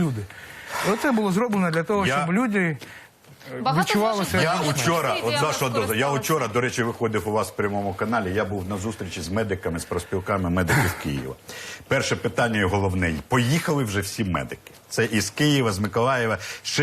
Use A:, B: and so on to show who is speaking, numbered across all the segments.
A: люди. І оце було зроблено для того, щоб люди відчували себе.
B: Я вчора, до речі, виходив у вас в прямому каналі, я був на зустрічі з медиками, з профспілками медиків Києва. Перше питання і головне, поїхали вже всі медики. Це із Києва, з Миколаєва,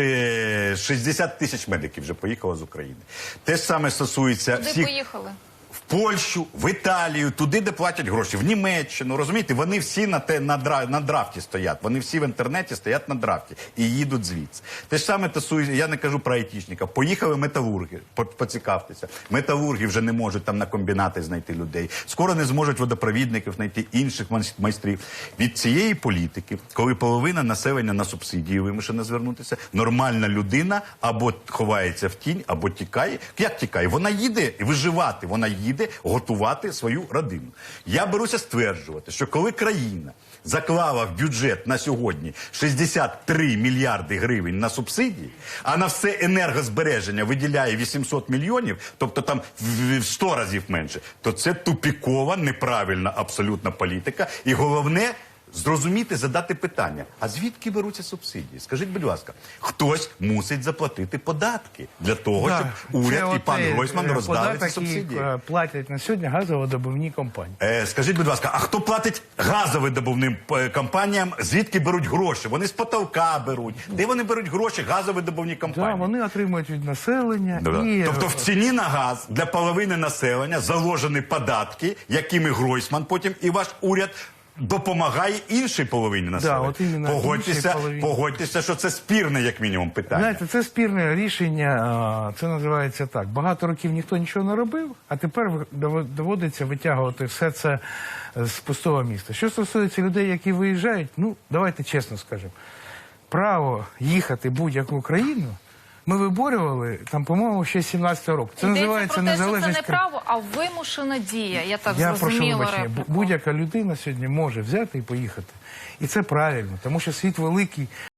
B: 60 тисяч медиків вже поїхало з України. Те ж саме стосується всіх...
C: Куди поїхали?
B: В Польщу, в Італію, туди, де платять гроші, в Німеччину, розумієте, вони всі на драфті стоять, вони всі в інтернеті стоять на драфті і їдуть звідси. Те ж саме стосується, я не кажу про айтішників, поїхали металурги, поцікавтеся, металурги вже не можуть там на комбінати знайти людей, скоро не зможуть водопровідників знайти, інших майстрів. Від цієї політики, коли половина населення на субсидії вимушена звернутися, нормальна людина або ховається в тінь, або тікає. Як тікає? Вона їде виживати, вона їде готувати свою родину. Я беруся стверджувати, що коли країна заклала в бюджет на сьогодні 63 мільярди гривень на субсидії, а на все енергозбереження виділяє 800 мільйонів, тобто там в 100 разів менше, то це тупікова, неправильна абсолютна політика. І головне – зрозуміти, задати питання, а звідки беруться субсидії? Скажіть, будь ласка, хтось мусить заплатити податки для того, щоб уряд і пан Гройсман роздали ці субсидії.
A: Платять на сьогодні газовидобувні компанії.
B: Скажіть, будь ласка, а хто платить газовидобувним компаніям, звідки беруть гроші? Вони з потолка беруть. Де вони беруть гроші, газовидобувні компанії?
A: Так, вони отримують від населення.
B: Тобто в ціні на газ для половини населення заложені податки, якими Гройсман потім і ваш уряд допомагає іншій половині населення. Погодьтеся, що це спірне, як мінімум, питання.
A: Знаєте, це спірне рішення, це називається так. Багато років ніхто нічого не робив, а тепер доводиться витягувати все це з пустого міста. Що стосується людей, які виїжджають, ну, давайте чесно скажемо, право їхати в будь-яку країну ми виборювали, там, по-моєму, ще з 17-го року. Це називається незалежність.
C: Це не право, а вимушена дія. Я так
A: зрозуміла.
C: зрозуміла.
A: Я прошу вибачення. Будь-яка людина сьогодні може взяти і поїхати. І це правильно, тому що світ великий.